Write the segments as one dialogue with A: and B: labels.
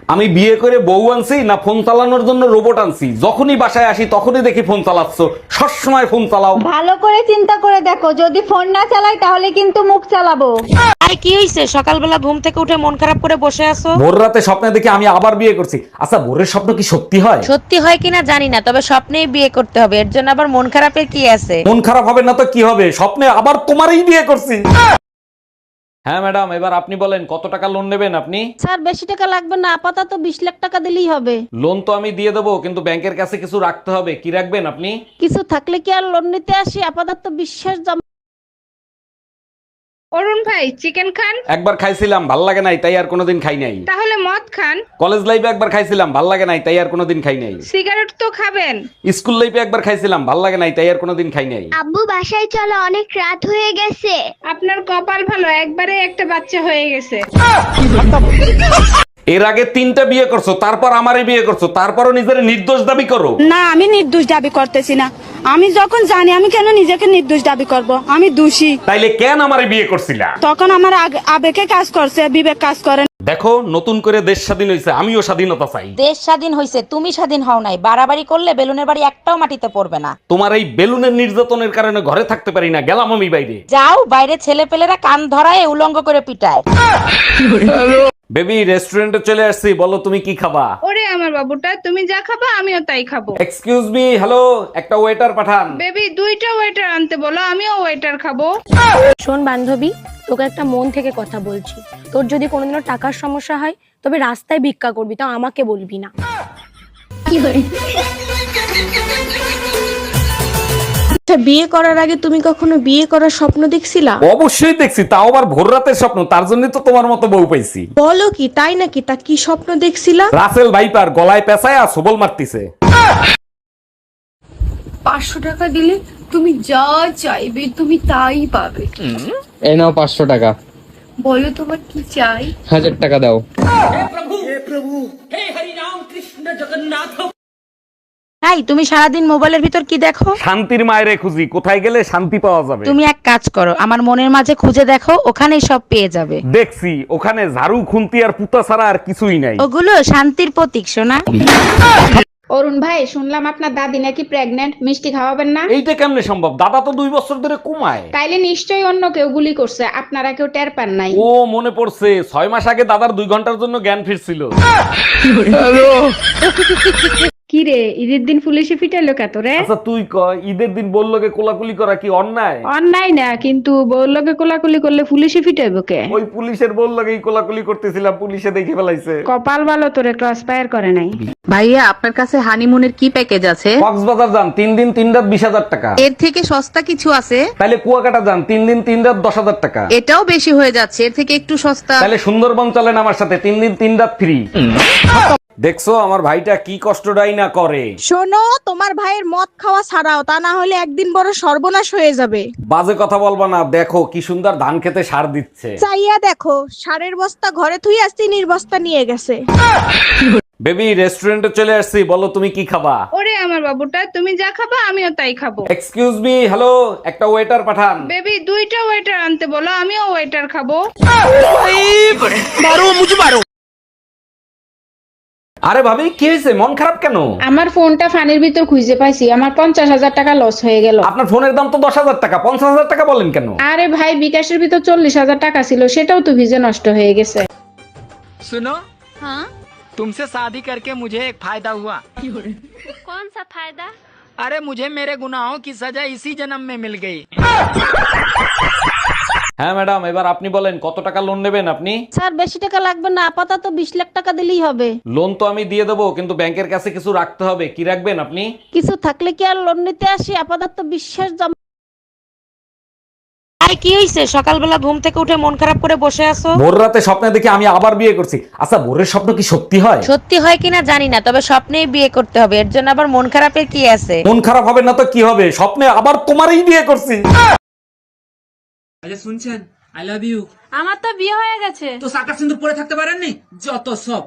A: আমি বিয়ে করে বউ আনছি না ফোন চালানোর জন্য রোবট আনছি? যখনই বাসায় আসি তখনই দেখি ফোন চালাচ্ছ। সবসময় ফোন চালাও।
B: ভালো করে চিন্তা করে দেখো, যদি ফোন না চালাই তাহলে কিন্তু মুখ চালাবো।
C: আর কি হইছে সকালবেলা ঘুম থেকে উঠে মন খারাপ করে বসে আছো?
A: ভোর রাতে স্বপ্নে দেখি আমি আবার বিয়ে করছি। আচ্ছা, ভোরের স্বপ্ন কি সত্যি হয়?
C: সত্যি হয় কিনা জানি না, তবে স্বপ্নেই বিয়ে করতে হবে, এর জন্য আবার মন খারাপের কি আছে?
A: মন খারাপ হবে না তো কি হবে? স্বপ্নে আবার তোমারই বিয়ে করছি। হ্যাঁ ম্যাডাম, এবার আপনি বলেন কত টাকা লোন নেবেন আপনি?
B: স্যার বেশি টাকা লাগবে না, আপাতত 20 লাখ টাকা দিলেই হবে।
A: লোন তো আমি দিয়ে দেবো, কিন্তু ব্যাংকের কাছে কিছু রাখতে হবে। কি রাখবেন আপনি?
B: কিছু থাকলে কি আর লোন নিতে আসি? আপাতত বিশ্বাস জমা।
D: অরুণ ভাই, চিকেন খান?
A: একবার খাইছিলাম, ভাল লাগে নাই, তাই আর কোনোদিন খাই নাই।
D: তাহলে মদ খান?
A: কলেজ লাইফে একবার খাইছিলাম, ভাল লাগে নাই, তাই আর কোনোদিন খাই নাই।
D: সিগারেট তো খাবেন?
A: স্কুল লাইফে একবার খাইছিলাম, ভাল লাগে নাই, তাই আর কোনোদিন খাই নাই।
E: আব্বু বাসায় চলো, অনেক রাত হয়ে গেছে।
D: আপনার কপাল ভালো, একবারে একটা বাচ্চা হয়ে গেছে।
A: এর আগে 3টা বিয়ে করছো, তারপর আমারই বিয়ে করছো, তারপরও নিজের নির্দোষ দাবি করো।
F: না, আমি নির্দোষ দাবি করতেছি না। আমি যখন জানি, আমি কেন নিজেকে নির্দোষ দাবি করব? আমি দোষী।
A: তাইলে কেন আমারই বিয়ে করছিলা?
F: তখন আমার আবেগে কাজ করছে, বিবেক কাজ করে না।
A: দেখো, নতুন করে দেশ স্বাধীন হয়েছে, আমিও স্বাধীনতা চাই।
C: দেশ স্বাধীন হইছে, তুমি স্বাধীন হও নাই। বাড়াবাড়ি করলে বেলুনের বাড়ি একটাও মাটিতে পড়বে না।
A: তোমার এই বেলুনের নির্যাতনের কারণে ঘরে থাকতে পারি না, গেলাম আমি বাইরে।
C: যাও, বাইরে ছেলে পেলেরা কান ধরায় উলঙ্গ করে পিটায়।
A: বেবি, রেস্টুরেন্টে চলে আসছি, বলো তুমি কি খাবা?
D: ওরে আমার বাবুটা, তুমি যা খাবা আমিও তাই খাবো।
A: এক্সকিউজ মি, হ্যালো, একটা ওয়েটার পাঠান।
D: বেবি, 2টা ওয়েটার আনতে বলো, আমিও ওয়েটার খাবো।
G: শোন বান্ধবী, তোকে একটা মন থেকে কথা বলছি। তোর যদি কোনোদিনও টাকার সমস্যা হয়, তবে রাস্তায় ভিক্ষা করবি, তাও আমাকে বলবি না।
H: আচ্ছা, বিয়ে করার আগে তুমি কখনো বিয়ে করার স্বপ্ন দেখছিলা?
A: অবশ্যই দেখছি, তাও আবার ভোর রাতের স্বপ্ন। তার জন্য তো তোমার মতো বউ পাইছি।
H: বলো কি, তাই নাকি? তা কি স্বপ্ন দেখছিলা?
A: রাসেল ভাইপার গলায় পেঁচায় আর সবল মারতিছে।
I: 500 টাকা দিলে তুমি যা চাইবে তুমি তাই পাবে।
J: এই নাও 500 টাকা।
I: বলো তোমার কি চাই?
J: 1000 টাকা দাও।
C: তাই তুমি সারাদিন মোবাইলের ভিতর কি দেখো?
A: শান্তির মায়েরে খুঁজি, কোথায় গেলে শান্তি পাওয়া যাবে।
C: তুমি এক কাজ করো, আমার মনের মাঝে খুঁজে দেখো, ওখানেই সব পেয়ে যাবে।
A: দেখছি, ওখানে ঝাড়ু খুন্তি আর পুতা ছাড়া আর কিছুই নাই।
C: ওগুলো শান্তির প্রতীক সোনা।
B: অরুণ ভাই, শুনলাম আপনার দাদি নাকি প্রেগন্যান্ট, মিষ্টি খাওয়াবেন না?
A: এইটা কেমনে সম্ভব? দাদা তো 2 বছর ধরে কমায়।
B: তাইলে নিশ্চয়ই অন্য কেউ গুলি করছে, আপনারা কেউ টের পান নাই।
A: ও মনে পড়ছে, 6 মাস আগে দাদার 2 ঘন্টার জন্য জ্ঞান ফিরছিল।
B: কি রে, ঈদের দিন পুলিশে ফিটাইলো কত রে?
A: আচ্ছা তুই ক, ঈদের দিন বললোকে কোলাকুলি করা কি অন্যায়?
B: অন্যায় না, কিন্তু বউলোকে কোলাকুলি করলে পুলিশে ফিটাইবো কে?
A: ওই পুলিশের বললোকেই কোলাকুলি করতেছিলাম, পুলিশে দেখে ফেলাইছে।
B: কপাল ভালো, তোরে ক্রস ফায়ার করে নাই।
K: ভাইয়া, আপনার কাছে হানিমুনের কি প্যাকেজ আছে?
A: কক্সবাজার যান 3 দিন 3 রাত 20,000 টাকা।
K: এর থেকে সস্তা কিছু আছে?
A: তাহলে কুয়াকাটা যান 3 দিন 3 রাত 10,000 টাকা।
K: এটাও বেশি হয়ে যাচ্ছে, এর থেকে একটু সস্তা।
A: তাহলে সুন্দরবন চলেন আমার সাথে, 3 দিন 3 রাত ফ্রি। দেখছো আমার ভাইটা কি কষ্টটাই না করে।
F: শোনো, তোমার ভাইয়ের মদ খাওয়া ছাড়াও, তা না হলে একদিন বড় সর্বনাশ হয়ে যাবে।
A: বাজে কথা বলবা না, দেখো কি সুন্দর ধান খেতে সার দিচ্ছে।
F: চাইয়া দেখো, সারের বস্তা ঘরে থুই আসছি, নির্বস্তা নিয়ে গেছে।
A: বেবি, রেস্টুরেন্টে চলে আসছি, বলো তুমি কি খাবা?
D: ওরে আমার বাবুটা, তুমি যা খাবা আমিও তাই খাবো।
A: এক্সকিউজ মি, হ্যালো, একটা ওয়েটার পাঠান।
D: বেবি, 2টা ওয়েটার আনতে বলো, আমিও ওয়েটার খাবো।
A: আরে ভাবি, কি হয়েছে? মন খারাপ কেন?
B: আমার ফোনটা ফানির ভিতর খুঁজে পাইছি, আমার 50,000 টাকা লস হয়ে গেল।
A: আপনার ফোনের দাম তো 10,000 টাকা, 50,000 টাকা বলেন কেন?
B: আরে ভাই, বিকাশের ভিতর 40,000 টাকা ছিল, সেটাও তো ভিজে নষ্ট হয়ে গেছে।
L: सुनो, हाँ? तुमसे शादी करके मुझे एक फायदा हुआ।
E: कौन सा फायदा?
L: अरे मुझे मेरे गुनाहों की सजा इसी जन्म में मिल गई।
A: হ্যাঁ ম্যাডাম, এবার আপনি বলেন কত টাকা লোন নেবেন আপনি?
B: স্যার বেশি টাকা লাগবে না, আপাতত 20 লাখ টাকা দিলেই হবে।
A: লোন তো আমি দিয়ে দেবো, কিন্তু ব্যাংকের কাছে কিছু রাখতে হবে। কি রাখবেন আপনি?
B: কিছু থাকলে কি আর লোন নিতে আসি? আপাতত বিশ্বাস জমা।
C: আর কি হইছে সকালবেলা ঘুম থেকে উঠে মন খারাপ করে বসে আছো?
A: ভোর রাতে স্বপ্নে দেখি আমি আবার বিয়ে করছি। আচ্ছা, ভোরের স্বপ্ন কি সত্যি হয়?
C: সত্যি হয় কিনা জানি না, তবে স্বপ্নেই বিয়ে করতে হবে, এর জন্য আবার মন খারাপের কি আছে?
A: মন খারাপ হবে না তো কি হবে? স্বপ্নে আবার তোমারই বিয়ে করছি।
L: আরে শুনছেন, আই লাভ ইউ।
I: আমার তো বিয়ে হয়ে গেছে।
L: তো সাকা সিন্দুর পরে থাকতে পারেননি? যত সব।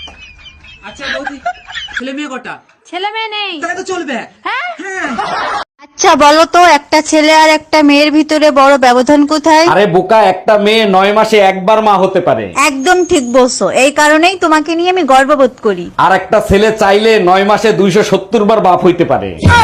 L: আচ্ছা বৌদি, ছেলে মেয়ে কটা?
I: ছেলে মেয়ে নেই।
L: তাহলে তো চলবে।
I: হ্যাঁ?
L: হ্যাঁ।
H: আচ্ছা বলো তো, একটা ছেলে আর একটা মেয়ের ভিতরে বড় ব্যবধান কোথায়?
A: আরে বোকা, একটা মেয়ে 9 মাসে একবার মা হতে পারে।
H: একদম ঠিক বলছো, এই কারণেই তোমাকে নিয়ে আমি গর্ববোধ করি।
A: আর একটা ছেলে চাইলে 9 মাসে 270 বার বাপ হইতে পারে।